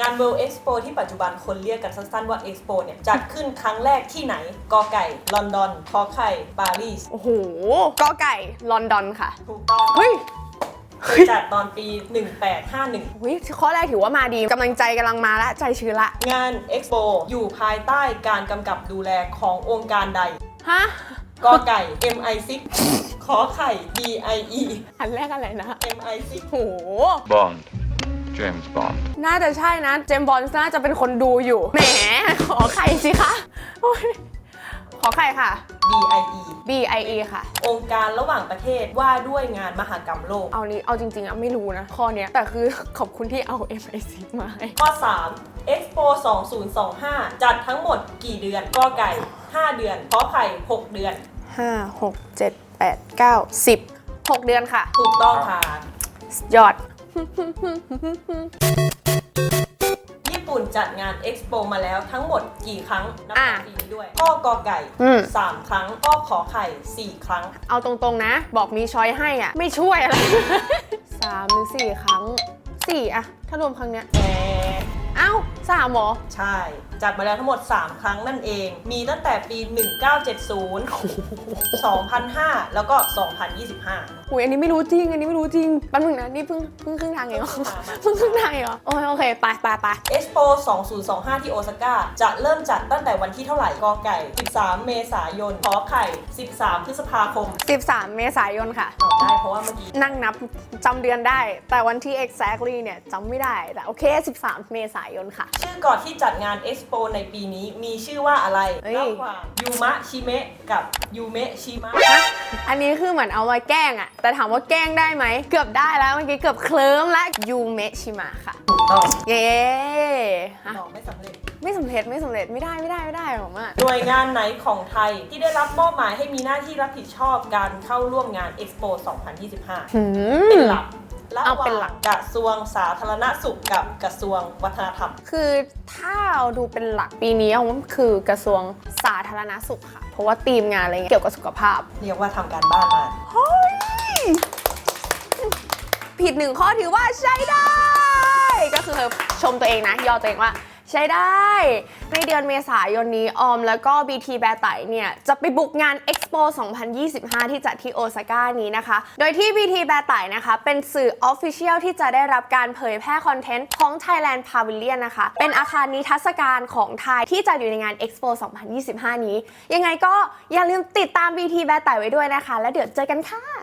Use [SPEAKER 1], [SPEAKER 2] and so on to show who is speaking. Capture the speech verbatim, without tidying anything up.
[SPEAKER 1] งาน World Expo ที่ปัจจุบันคนเรียกกันสั้นๆว่า Expo เนี่ยจัดขึ้นครั้งแรกที่ไหนกอไก่ลอนดอนขอไข่ปารีส
[SPEAKER 2] โอ้โหกอไก่ลอนดอนค่ะ
[SPEAKER 1] ถูกต้อง
[SPEAKER 2] เฮ้ย
[SPEAKER 1] เคยจัดตอนปีหนึ่งแปดห้าหนึ่ง
[SPEAKER 2] วิข้อแรกถือว่ามาดีกำลังใจกำลังมาละใจชื้นละ
[SPEAKER 1] งาน Expo อยู่ภายใต้การกำกับดูแลขององค์การใด
[SPEAKER 2] ฮะ
[SPEAKER 1] กอไก่ เอ็ม ไอ ซิกซ์ ขอไข่ บี ไอ อี
[SPEAKER 2] อันแรกอะไรนะ
[SPEAKER 1] เอ็ม ไอ ซิกซ์
[SPEAKER 2] โห
[SPEAKER 3] Bond James Bond
[SPEAKER 2] น่าจะใช่นะเจมส์บอนด์น่าจะเป็นคนดูอยู่แหมขอไข่สิคะขอไข่ค่ะ
[SPEAKER 1] บี ไอ อี
[SPEAKER 2] บี ไอ อี ค่ะ
[SPEAKER 1] องค์การระหว่างประเทศว่าด้วยงานมหกรรมโลก
[SPEAKER 2] เอานี้เอาจริงๆอะไม่รู้นะข้อเนี้ยแต่คือขอบคุณที่เอา เอ็ม ไอ ซิกซ์ มาให้
[SPEAKER 1] ข้อสาม Expo สองพันยี่สิบห้าจัดทั้งหมดกี่เดือนกอไก่ห้าเดือนขอไข่หกเดือน
[SPEAKER 2] ห้า หก เจ็ด แปด เก้า สิบ หกเดือนค่ะ
[SPEAKER 1] ถูกต้องค่ะ
[SPEAKER 2] ยอด
[SPEAKER 1] ญี่ปุ่นจัดงาน Expo มาแล้วทั้งหมดกี่ครั้งนับปีนี้ด้วยข้อกอไก่สามครั้งข้อขอไข่สี่ครั้ง
[SPEAKER 2] เอาตรงๆนะบอกมีช้อยให้อ่ะไม่ช่วยอะไรสามหรือสี่ครั้งสี่อะถ้ารวมครั้งเนี้ย
[SPEAKER 1] แหม
[SPEAKER 2] เอ้าสามหรอ
[SPEAKER 1] ใช่จัดมาแล้วทั้งหมดสามครั้งนั่นเองมีตั้งแต่ปีหนึ่งพันเก้าร้อยเจ็ดสิบ สองพันห้าแล้วก็สองพันยี่สิบห้า
[SPEAKER 2] อุ้ยอันนี้ไม่รู้จริงอันนี้ไม่รู้จริงแป๊บนึงนะนี่เพิ่งเพิ่งครึ่งทางเองเหรอเพิ่งครึ่งทางเองเหรอโอเคโอเคไปไปไป
[SPEAKER 1] Expo สองพันยี่สิบห้าที่โอซาก้าจะเริ่มจัดตั้งแต่วันที่เท่าไหร่กอไก่สิบสามเมษายนขอไข่สิบสามพฤษภาคม
[SPEAKER 2] สิบสามเมษายนค่ะ
[SPEAKER 1] ตอบได้เพราะว่าเมื่อกี้
[SPEAKER 2] นั่งนับจำเดือนได้แต่วันที่ exactly เนี่ยจำไม่ได้แต่โอเคสิบสามเมษายนค่ะ
[SPEAKER 1] ชื่อก่อนที่จัดงาน Expo ในปีนี้มีชื่อว่าอะไรระหว่างยูมะชิเมะกับยูเมะชิมะ
[SPEAKER 2] อันนี้คือเหมือนเอามาแกล้งอะแต่ถามว่าแกล้งได้ไหมเกือบได้แล้วเมื่อกี้เกือบเคลิ้มแล้วยูเมะชิมะค่ะ
[SPEAKER 1] ถูกต้อง
[SPEAKER 2] เย้
[SPEAKER 1] หอกไม่สำเร็จ
[SPEAKER 2] ไม่สำเร็จไม่สำเร็จไม่ได้ไม่ได้ไม่ได้ผมอะ
[SPEAKER 1] หน่วยงานไหนของไทยที่ได้รับมอบหมายให้มีหน้าที่รับผิดชอบการเข้าร่วมงาน Expo สองพันยี่สิบห้าเป็นหลักระหว่างกระทรวงสาธารณสุขกับกระทรวงวัฒนธรรม
[SPEAKER 2] คือถ้าเราดูเป็นหลักปีนี้ผมคือกระทรวงสาธารณสุขค่ะเพราะว่าธีมงานอะไรเงี้ยเกี่ยวกับสุขภาพ
[SPEAKER 1] เรียกว่าทำการบ้านมา
[SPEAKER 2] เฮ้ยผิดหนึ่งข้อถือว่าใช้ได้ก็คือชมตัวเองนะยอตัวเองว่าใช้ได้ในเดือนเมษายนนี้ออมแล้วก็ บี ที แบร์ไตเนี่ยจะไปบุกงาน Expo สองพันยี่สิบห้าที่จัดที่โอซาก้านี้นะคะโดยที่ บี ที แบร์ไตนะคะเป็นสื่อ Official ที่จะได้รับการเผยแพร่คอนเทนต์ของ Thailand Pavilion นะคะเป็นอาคารนิทรรศการของไทยที่จัดอยู่ในงาน Expo สองพันยี่สิบห้านี้ยังไงก็อย่าลืมติดตาม บี ที แบร์ไตไว้ด้วยนะคะแล้วเดี๋ยวเจอกันค่ะ